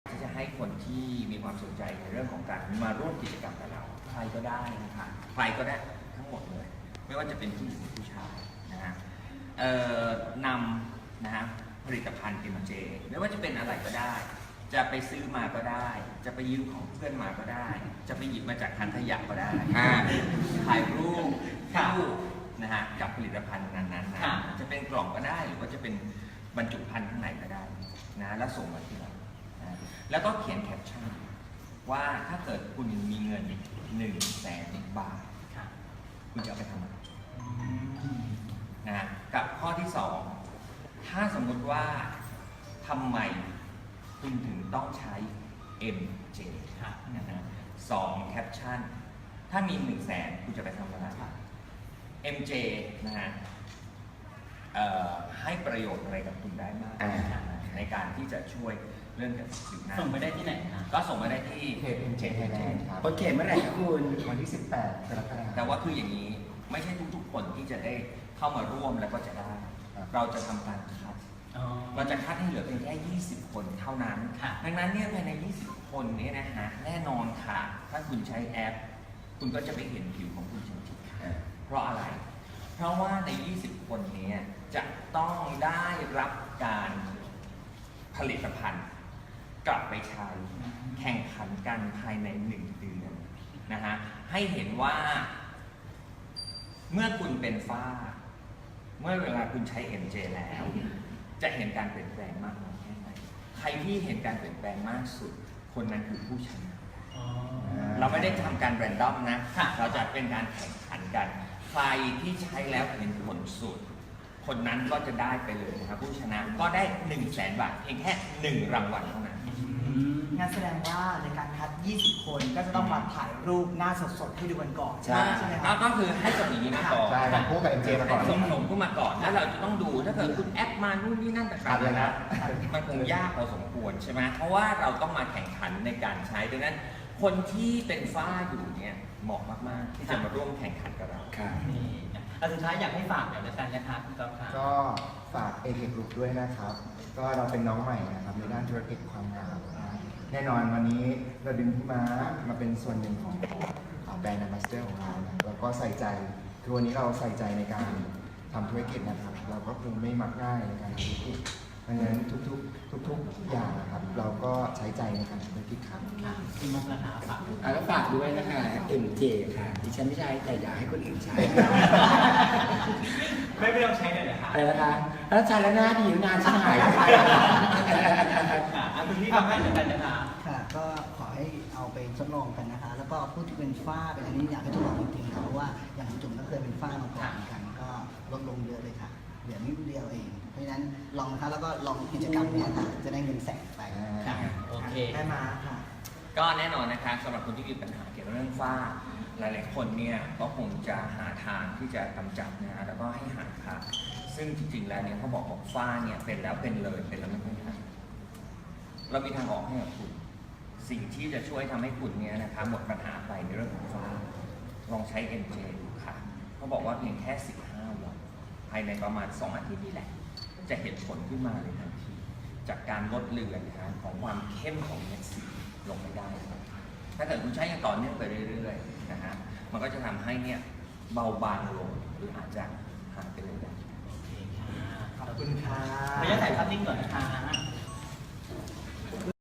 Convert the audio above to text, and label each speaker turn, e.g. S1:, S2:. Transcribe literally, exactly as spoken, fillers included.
S1: ที่จะให้คนที่มีความสนใจในเรื่องของการมาร่วมกิจกรรมกับเราใครก็ได้นะคะใครก็ได้ทั้งหมดเลยไม่ว่าจะเป็นผู้หญิงหรือผู้ชายนะฮะเอ่อนำนะฮะผลิตภัณฑ์ เอ็ม เจ ไม่ว่าจะเป็นอะไรก็ได้จะไปซื้อมาก็ได้จะไปยืมของเพื่อนมาก็ได้จะไปหยิบมาจากถังขยะก็ได้ถ่ายรูปคู่นะฮะกับผลิตภัณฑ์นั้นๆนะจะเป็นกล่องก็ได้หรือว่าจะเป็นบรรจุภัณฑ์ข้างในก็ได้นะแล้วส่งมาที่เรานะแล้วก็เขียนแคปชั่นว่าถ้าเกิดคุณมีเงินหนึ่งแสนบาทคุณจะเอาไปทำอะไรนะกับข้อที่สองถ้าสมมุติว่าทำไมคุณถึงต้องใช้ เอ็ม เจ นะฮะสองแคปชั่นถ้ามีหนึ่งแสนคุณจะไปทำอะไร เอ็ม เจ นะฮะให้ประโยชน์อะไรกับคุณได้มากในการที่จะช่วยเรื่องเกี่ยวกับผิวหน้า
S2: ส่งไปได้ที่ไหนคะ
S1: ก็ส่งมาได้ที่
S3: เพจ เอ็ม เจ Thailand ครับ
S4: โอเคเมื่อไหร่ครับคุณ
S3: วันที่สิบแปดกรกฎาคม
S1: แต่ว่าคืออย่างนี้ไม่ใช่ทุกๆคนที่จะได้เข้ามาร่วมแล้วก็จะได้เราจะทำการคัดเราจะคัดให้เหลือเพียงแค่ยี่สิบคนเท่านั้นดังนั้นเนี่ยภายในยี่สิบคนนี้นะฮะแน่นอนค่ะถ้าคุณใช้แอปคุณก็จะไม่เห็นผิวของคุณจริงๆเพราะอะไรเพราะว่าในยี่สิบคนนี้จะต้องได้รับการผลิตภัณฑ์กลับไปใช้แข่งขันกันภายในหนึ่งเดือนนะฮะให้เห็นว่าเมื่อคุณเป็นฝ้าเมื่อเวลาคุณใช้ เอ็ม เจ แล้วจะเห็นการเปลี่ยนแปลงมากน้อยแค่ไหนใครที่เห็นการเปลี่ยนแปลงมากสุดคนนั้นคือผู้ชนะเราไม่ได้ทำการแรนดอมนะเราจะเป็นการแข่งขันกันใครที่ใช้แล้วเห็นผลสุดคนนั้นก็จะได้ไปเลยนะครับผู้ชนะก็ได้หนึ่งแสนบาทเพียงแค่หนึ่งรางวัลเท่านั้น
S5: งั้นแสดงว่าในการคัดยี่สิบคนก็จะต้องมาถ่ายรูปหน้าสดๆให้ดูกันก่อน
S3: ใช่
S5: ใช่ไหมครับ
S1: ก็คือให้ส่งอย่างนี้มาก่อน
S3: ใช่ครับคู่กับ เอ็ม เจ มาก่อน
S1: ส่งส่งคู่มาก่อนแล้วเราจะต้องดูถ้าเกิดคุณแอปมานู่นนี่นั่นต่างๆนะมันคงยากพอสมควรใช่ไหมเพราะว่าเราต้องมาแข่งขันในการใช้ดังนั้นคนที่เป็นฝ้าอยู่เนี่ยเหมาะมากๆที่จะมาร่วมแข่งขันกับเรา
S2: นี่อันสุดท้ายอยากให้ฝากเดี๋ยวแล้วกันนะครับคุณก๊อฟค่ะ
S3: ก็ฝาก เอ เค Group ด้วยนะครับ ก็เราเป็นน้องใหม่นะครับในด้านธุรกิจความงามแน่นอนวันนี้เราดึงพี่ม้ามาเป็นส่วนหนึ่งของแบรนด์ Ambassador ของเรานะแล้วก็ใส่ใจคือวันนี้เราใส่ใจในการทำธุรกิจนะครับเราก็คงไม่มักง่ายในการทำธุรกิจดังนั้นทุกๆทุกๆอย่างนะครับเราก็ใช้ใจในการทำธุรกิจครับ
S2: พี่มุกนะคะฝาก
S4: อ่ะแล้วฝากด้วยนะคะ เอ็ม เจ ค่ะดิฉันไม่ใช้แต่อยากให้คนอื่นใช้
S2: ไม่ไม่ต้องใช้เลยเหรอคะ
S4: อะไรนะคะแล้วใช้แล้วหน้าดีงานฉันหายไป
S2: อ่ะคุณพี่ทำให้เหมือนกันนะคะ
S5: ค่ะก็ขอให้เอาไปทดลองกันนะคะแล้วก็ผู้ที่เป็นฝ้าเป็นอันนี้อยากให้ทดลองจริงๆเพราะว่าอย่างคุณจุ๋มก็เคยเป็นฝ้ามาก่อนเหมือนกันก็ลดลงเยอะเลยค่ะเหลือนิดเดียวเองเพราะฉะนั้นลองนะคะแล้วก็ลองกิจกรรมนี้ค่ะจะได้เงินแสนไป
S2: โอเค
S5: ได้มาค่ะ
S1: ก็แน่นอนนะคะสำหรับคนที่มีปัญหาเกี่ยวกับเรื่องฝ้าหลายๆคนเนี่ยก็คงจะหาทางที่จะกำจัดนะฮะแล้วก็ให้หายขาดซึ่งจริงๆแล้วเนี่ยเขาบอกว่าฝ้าเนี่ยเป็นแล้วเป็นเลยเป็นแล้วไม่หายเรามีทางออกให้กับคุณสิ่งที่จะช่วยทำให้คุณเนี่ยนะคะหมดปัญหาไปในเรื่องของฝ้าลองใช้ เอ็ม เจ ดูค่ะเขาบอกว่าเพียงแค่สิบห้าวันภายในประมาณสองอาทิตย์นี่แหละจะเห็นผลขึ้นมาเลยทันทีจากการลดเลือนนะฮะของความเข้มของเม็ดสีลงไปได้ถ้าเกิดคุณใช้อย่างต่อเนื่องไปเรื่อยๆนะฮะมันก็จะทำให้เนี่ยเบาบางลงหรืออาจจะหายไปเลยได้
S2: โอเคค่ะ
S5: ขอบคุณค่ะ
S2: ไม่ได้ถ่ายภาพนิ่งก่อนนะคะ